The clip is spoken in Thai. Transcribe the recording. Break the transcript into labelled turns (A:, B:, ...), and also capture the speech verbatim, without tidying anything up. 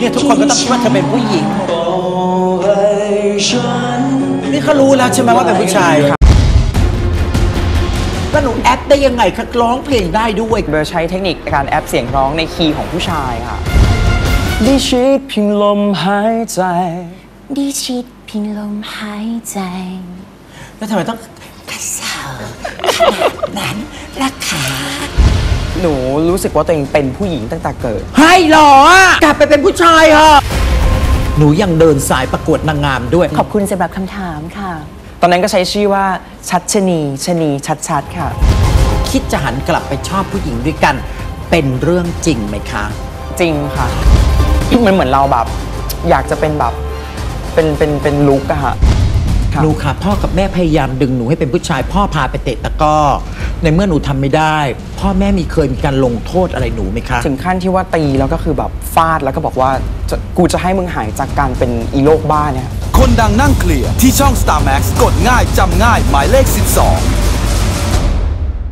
A: เนี่ยทุกคนก็ต้องคิดว่าเธอเป็นผู้หญิงนี่เขารู้แล้วใช่ไหมว่าเป็นผู้ชายค่ะแล้วหนูแอปได้ยังไงคะร้องเพลงได้ด้วย
B: โดยใช้เทคนิคการแอปเสียงร้องในคีย์ของผู้ชายค่ะดิชิดพิงลมหายใจ
C: ดิชิดพิงลมหายใจ
A: แล้วทำไมต้องกระเซาขนาดนั้นล่ะคะ
B: หนูรู้สึกว่าตัวเองเป็นผู้หญิงตั้งแต่เกิด
A: ให้หรอกลับไปเป็นผู้ชายเหรอหนูยังเดินสายประกวดนางงามด้วย
C: ขอบคุณสำหรับคำถามค่ะ
B: ตอนนั้นก็ใช้ชื่อว่าชัดชนีชนีชัดชัดค่ะ
A: คิดจะหันกลับไปชอบผู้หญิงด้วยกันเป็นเรื่องจริงไหมคะ
B: จริงค่ะมันเหมือนเราแบบอยากจะเป็นแบบเป็นเป็นเป็นลุกอะค่ะ
A: หนูค่ะพ่อกับแม่พยายามดึงหนูให้เป็นผู้ชายพ่อพาไปเตะตะก้อในเมื่อหนูทำไม่ได้พ่อแม่มีเคยมีการลงโทษอะไรหนูไหมคะ
B: ถึงขั้นที่ว่าตีแล้วก็คือแบบฟาดแล้วก็บอกว่ากูจะให้มึงหายจากการเป็นอีโลกบ้าเนี่ย
D: คนดังนั่งเคลียร์ที่ช่อง สตาร์ แม็กซ์ กดง่ายจำง่ายหมายเลขสิบสอง